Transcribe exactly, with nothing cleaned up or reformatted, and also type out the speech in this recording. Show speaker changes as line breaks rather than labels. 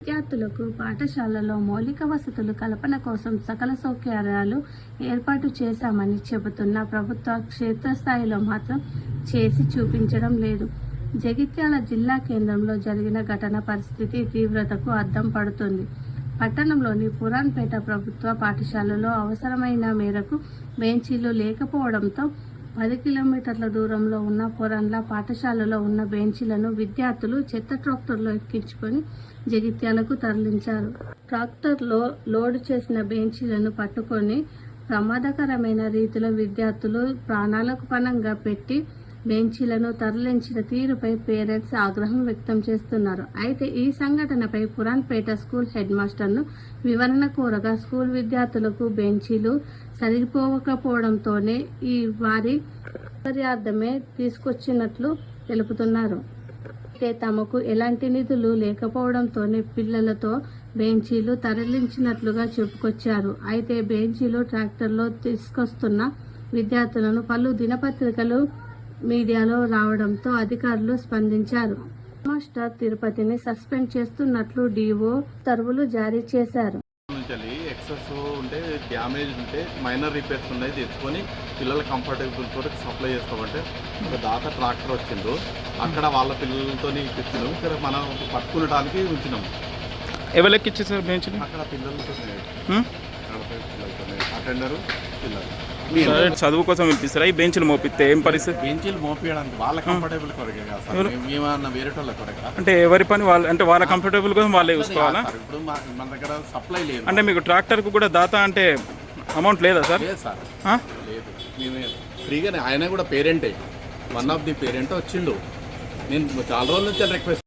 విద్యార్థులకు పాఠశాలలో మౌలిక వసతులు కల్పన కోసం సకల సౌకర్యాలు ఏర్పాటు చేశామని చెబుతున్న ప్రభుత్వ క్షేత్రస్థాయిలో మాత్రం చేసి చూపించడం లేదు. జగిత్యాల జిల్లా కేంద్రంలో జరిగిన ఘటన పరిస్థితి తీవ్రతకు అద్దం పడుతుంది. పట్టణంలోని పురాన్పేట ప్రభుత్వ పాఠశాలలో అవసరమైన మేరకు బెంచీలు లేకపోవడంతో పది కిలోమీటర్ల దూరంలో ఉన్న పురాన్ల పాఠశాలలో ఉన్న బెంచీలను విద్యార్థులు చెత్త ట్రాక్టర్లో ఎక్కించుకొని జగిత్యాలకు తరలించారు. ట్రాక్టర్లో లోడ్ చేసిన బెంచీలను పట్టుకొని ప్రమాదకరమైన రీతిలో విద్యార్థులు ప్రాణాలకు పణంగా పెట్టి బెంచీలను తరలించిన తీరుపై పేరెంట్స్ ఆగ్రహం వ్యక్తం చేస్తున్నారు. అయితే ఈ సంఘటనపై పురాన్పేట స్కూల్ హెడ్ మాస్టర్ను వివరణ కోరగా స్కూల్ విద్యార్థులకు బెంచీలు సరిపోకపోవడంతోనే ఈ వారి సౌకర్యార్థమే తీసుకొచ్చినట్లు తెలుపుతున్నారు. అయితే తమకు ఎలాంటి నిధులు లేకపోవడంతోనే పిల్లలతో బెంచీలు తరలించినట్లుగా చెప్పుకొచ్చారు. అయితే బెంచీలు ట్రాక్టర్లో తీసుకొస్తున్న విద్యార్థులను పలు దినపత్రికలు మీడియాలో రావడంతో అధికారులు స్పందించారు. మాస్టర్ తిరుపతిని సస్పెండ్ చేస్తున్నట్లు డీఓ ఉత్తర్వులు జారీ చేశారు.
ఎక్సెస్ ఉంటే డ్యామేజ్ ఉంటే మైనర్ రిపేర్స్ ఉన్నాయి తెచ్చుకొని పిల్లల కంఫర్టబుల్ తోటి సప్లై చేస్తామంటే ఒక దాకా ట్రాక్టర్ వచ్చిందో అక్కడ వాళ్ళ పిల్లలతో ఇప్పించినాం. ఇక్కడ మనం పట్టుకునడానికి ఉంచినాం.
ఎవరికి ఇచ్చేసారు బెంచ్?
అక్కడ పిల్లలతో అటెండరు పిల్లలు
చదువు కోసం పిలిపిస్తారా? ఈ బెంచ్లు మోపిస్తే ఏం పరిస్థితి?
బెంచీలు మోపించడానికి వాళ్ళ కంఫర్టబుల్ కొరకే కదా, మేమన్నా వేరే వాళ్ళ కొరక.
అంటే ఎవరి పని వాళ్ళు, అంటే వాళ్ళ కంఫర్టబుల్ కోసం వాళ్ళే చూసుకోవాలా?
ఇప్పుడు మన దగ్గర సప్లై లేదు.
అంటే మీకు ట్రాక్టర్కు కూడా దాతా అంటే అమౌంట్ లేదా సార్?
లేదు సార్, లేదు. మేమే ఫ్రీగానే. ఆయన కూడా పేరెంటే, వన్ ఆఫ్ ది పేరెంట్ వచ్చిండు. నేను చాలా రోజుల నుంచి రిక్వెస్ట్